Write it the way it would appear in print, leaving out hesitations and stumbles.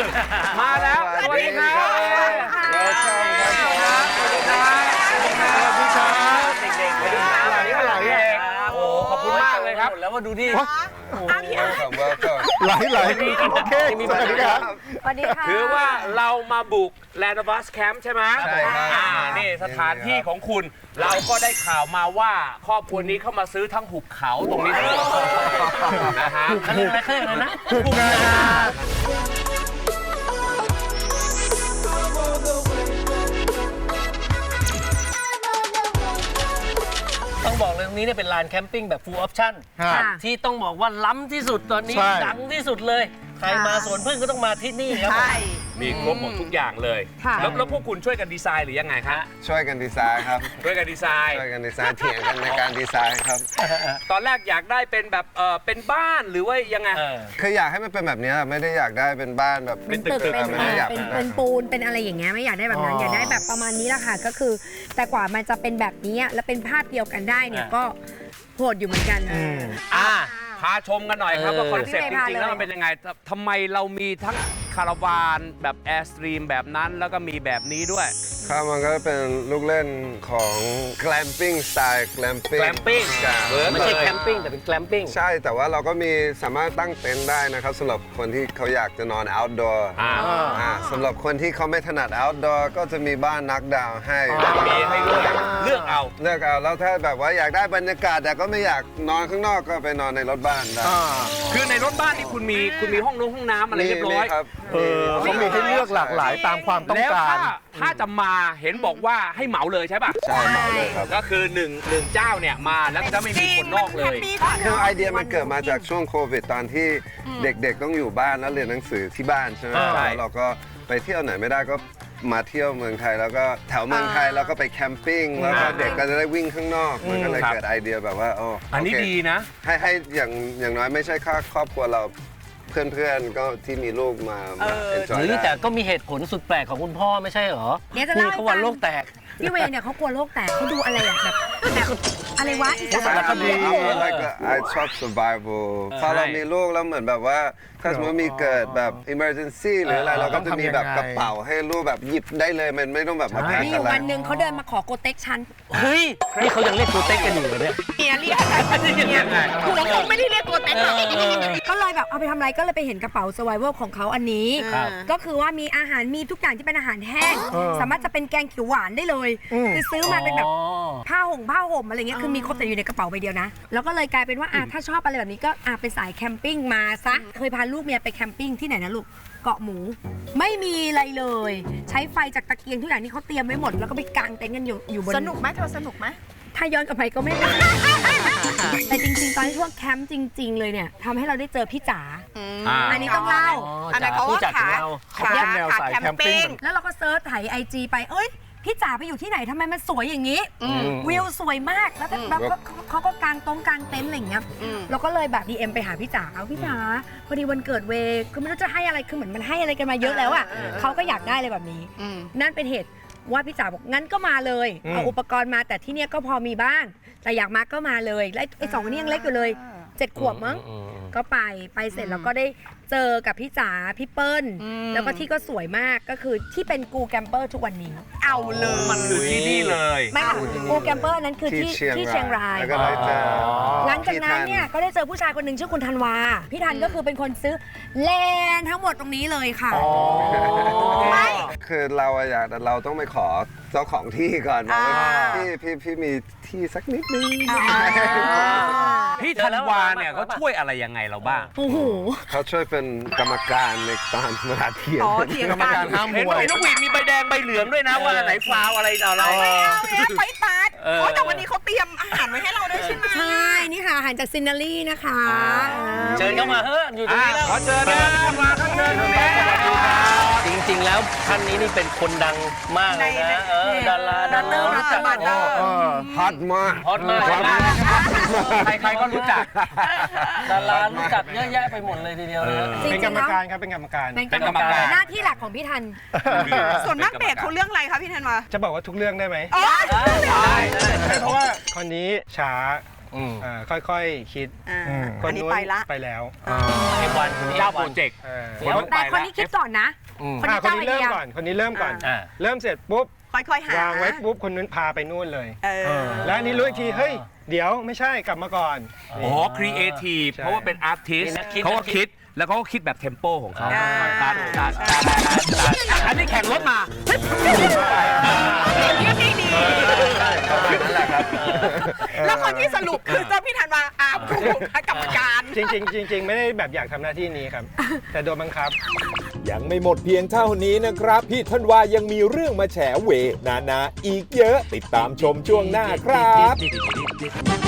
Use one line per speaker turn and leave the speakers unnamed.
มาแล้วสวัสดีครับสวัสดีครับสวัสดีครับเด็กๆอะไรโอ้ขอบคุณมากเลยครับแล้วมาดูที่
ไหลโอเคสวัสดีครับ
สวัสดีค่ะ
ถือว่าเรามาบุก Land of Us Camp ใช่ไหมใช่ครับนี่สถานที่ของคุณเราก็ได้ข่าวมาว่าครอบครัวนี้เข้ามาซื้อทั้งหุบเขาตรงนี้ทั้งหมดนะฮะเขาเรียกอะไรนะหุบนา
ต้องบอกเลยตรงนี้เนี่ยเป็นลานแคมปิ้งแบบ full option ที่ต้องบอกว่าล้ำที่สุดตอนนี้ดังที่สุดเลยใครมาสวนพึ่งก็ต้องมาที่นี่ครับ
มีครบหมดทุกอย่างเลยแล้วพวกคุณช่วยกันดีไซน์หรือยังไงครับ
ช่วยกันดีไซน์ครับ
ช่วยกันดีไซน์
เถียงกันในการดีไซน์ครับ
ตอนแรกอยากได้เป็นแบบเป็นบ้านหรือว่ายังไง
คืออยากให้มันเป็นแบบนี้ไม่ได้อยากได้เป็นบ้านแบบ
เป็นตึกเป็นปูนเป็นอะไรอย่างเงี้ยไม่อยากได้แบบนั้นอยากได้แบบประมาณนี้แหละค่ะก็คือแต่กว่ามันจะเป็นแบบนี้แล้วเป็นภาพเดียวกันได้เนี่ยก็โหดอยู่เหมือนกัน
พาชมกันหน่อยครับว่าคอนเซ็ปต์จริงๆแล้วมันเป็นยังไงทำไมเรามีทั้งคาราวานแบบแอร์สตรีมแบบนั้นแล้วก็มีแบบนี้ด้วย
ครับมันก็เป็นลูกเล่นของ glamping สไตล์ glamping
ไม่ใช่แคมปิ้งแต่เป็น glamping
ใช่แต่ว่าเราก็มีสามารถตั้งเต็นท์ได้นะครับสำหรับคนที่เขาอยากจะนอน outdoor สำหรับคนที่เขาไม่ถนัด outdoor ก็จะมีบ้านนักดาวให้
มีให้เลือกเอา
แล้วถ้าแบบว่าอยากได้บรรยากาศแต่ก็ไม่อยากนอนข้างนอกก็ไปนอนในรถบ้านได้
คือในรถบ้านที่คุณมีห้องน้ำอะไรเรียบร้อย
เขามีให้เลือกหลากหลายตามความต้องการ
แล้วถ้าจะมาเห็นบอกว่าให้เหมาเลยใช่ป่ะ
ใช่เหมาเลยครับ
ก็คือหนึ่งเจ้าเนี่ยมาแล้วจะไม่มีคนนอกเลย
คือไอเดียมันเกิดมาจากช่วงโควิดตอนที่เด็กๆต้องอยู่บ้านแล้วเรียนหนังสือที่บ้านใช่ไหมแล้วเราก็ไปเที่ยวไหนไม่ได้ก็มาเที่ยวเมืองไทยแล้วก็แถวเมืองไทยแล้วก็ไปแคมปิ้งแล้วก็เด็กก็จะได้วิ่งข้างนอกมันก็เลยเกิดไอเดียแบบว่า
อันนี้ดีนะ
ให้อย่างน้อยไม่ใช่แค่ครอบครัวเราเพื่อนๆก็ที่มีลูกมา
หรือแต่ก็มีเหตุผลสุดแปลกของคุณพ่อไม่ใช่เหรอ
คุย
เขาว่าโลกแตก
พี่เวย์เนี่ยเขากลัวโลกแตกเขาดูอะไรแบบอะไรวะอีสาน
ก็ดีชอบ survival พอเรามีลูกแล้วเหมือนแบบว่าถ้าสมมติมีเกิดแบบ emergency หรืออะไรเราก็จะมีแบบกระเป๋าให้ลูกแบบหยิบได้เลยมันไม่ต้องแบบมาแพ็คอะไร
มีอยู่วันหนึ่งเขาเดินมาขอโกเต็กฉัน
เฮ้ยนี่เขายังเรียกโกเต็กกันอยู่เหรอเนี่ย
เรียกหัวคงไม่ได้เรียกโกเต็กหรอกก็เลยแบบเอาไปทำอะไรก็เลยไปเห็นกระเป๋า survival ของเขาอันนี้ก็คือว่ามีอาหารมีทุกอย่างที่เป็นอาหารแห้งสามารถจะเป็นแกงเขียวหวานได้เลยคือซื้อมาเป็นแบบผ้าห่มอะไรเงี้ยคือมีครบแต่อยู่ในกระเป๋าใบเดียวนะแล้วก็เลยกลายเป็นว่าถ้าชอบอะไรแบบนี้ก็เป็นสายแคมปิ้งมาซะเคยพาลูกเมียไปแคมปิ้งที่ไหนนะลูกเกาะหมูไม่มีอะไรเลยใช้ไฟจากตะเกียงทุกอย่างที่เขาเตรียมไว้หมดแล้วก็ไปกางเต็นท์กันอยู่บน
สนุกไหมเธอสนุกไหม
ถ้าย้อนกลับไปก็ไม่ได้แต่จริงๆตอนที่ช่วงแคมป์จริงๆเลยเนี่ยทำให้เราได้เจอพี่จ๋าอันนี้ต้องเล่า
อันนั้นเขาว่าขาแนวสายแคมปิ้ง
แล้วเราก็เซิร์ชไถIGไปพี่จ๋าไปอยู่ที่ไหนทำไมมันสวยอย่างนี้วิวสวยมากแล้วแบบเขาก็กางเต็นท์อะไรอย่างเงี้ยเราก็เลยแบบ DM ไปหาพี่จ๋าพี่จ๋าพอดีวันเกิดเวคือไม่รู้จะให้อะไรคือเหมือนมันให้อะไรกันมาเยอะแล้วอ่ะเขาก็อยากได้อะไรแบบนี้นั่นเป็นเหตุว่าพี่จ๋าบอกงั้นก็มาเลยเอาอุปกรณ์มาแต่ที่เนี้ยก็พอมีบ้างแต่อยากมาก็มาเลยและไอ้2คนนี้ยังเล็กอยู่เลย7 ขวบมั้งก็ไปเสร็จแล้วก็ได้เจอกับพี่จ๋าพี่เปิ้ลแล้วก็ที่ก็สวยมากก็คือที่เป็นกูแกมเปอร์ทุกวันนี้
เอาเลย
มันคือที่นี่เลย
ไม่ค่ะกูแกมเปอร์นั้นคือที่เชียงรายหลังจากนั้นเนี่ยก็ได้เจอผู้ชายคนหนึ่งชื่อคุณธันวาพี่ธันก็คือเป็นคนซื้อแลนทั้งหมดตรงนี้เลยค่ะ
ไม่คือเราต้องไปขอเจ้าของที่ก่อนว่าพี่มีที่สักนิดนึง
พี่ธันวาเนี่ยเขาช่วยอะไรยังไงเราบ้าง
โอ้โห
เขาช่วยเป็นกรรมการในตอนเวลาเถียง
กรรมการ
ห้ามมวยนกหวีดมีใบแดงใบเหลืองด้วยนะว่าไหนฟาวอะไรอะไร
ไปตัดแต่วันนี้เขาเตรียมอาหารไว้ให้เราด้วยใช่ไหม
ใช่นี่ค่ะอาหารจากซินนารีนะคะ
เชิญเข้ามาเฮ้ยอยู่ตรงนี้แล้ว
ขอเชิญนะมาครับเชิญ
จริงๆแล้วท่านนี้นี่เป็นคนดังมากเลยนะดารา
รู้จักบ้าน
ฮอตมาก
ใครๆก็รู้จัก
ดารารู้จักเยอะแยะไปหมดเลยทีเดียวเลย
เป็นกรรมการครับเป็นกรรมการ
หน้าที่หลักของพี่ธัน
ส่วนมากเบรกเขาเรื่องอะไรคะพี่ธันมา
จะบอกว่าทุกเรื่องได้ไหม
ได้
เพราะว่าคนนี้ช้า
ค่อยๆคิด ค
อั
น
นนี้
นู้น
ไปละ
ไปแล้ว
F1
เจ้าโปรเจกต์
แต่คนนี้คิดก่อนนะ คนนี้
คน
เจ้าไอ
นี้เริ่
เดี
ม
ย
ก่อนคนนี้เริ่มก่อน
อ่า
เริ่มเสร็จปุ๊บ
ค่อยๆหาว
างไว้ปุ๊บคนนู้นพาไปนู่นเลย
เออ
แล้วอันนี้รู้อีกทีเฮ้ยเดี๋ยวไม่ใช่กลับมาก่อน
อ๋อ ครีเอทีฟ
ใช่
เพราะว่าเป็นอาร์ติส
คิด
เขาก็คิด แล้วเขาก็คิดแบบเทมโปของเขา
อ่า
ตัดอันนี้แข่งรถมา
ยืดได้ดี
นั่นแหละครับ
แล้วคนที่สรุปคือเจ้าพี่ธันวาอาผู้กรรมการ
จริงๆไม่ได้แบบอยากทำหน้าที่นี้ครับ แต่โดนบังคับ
ยังไม่หมดเพียงเท่านี้นะครับ พี่ธันวายังมีเรื่องมาแฉเวนาอีกเยอะ ติดตามชมช่วงหน้าครับ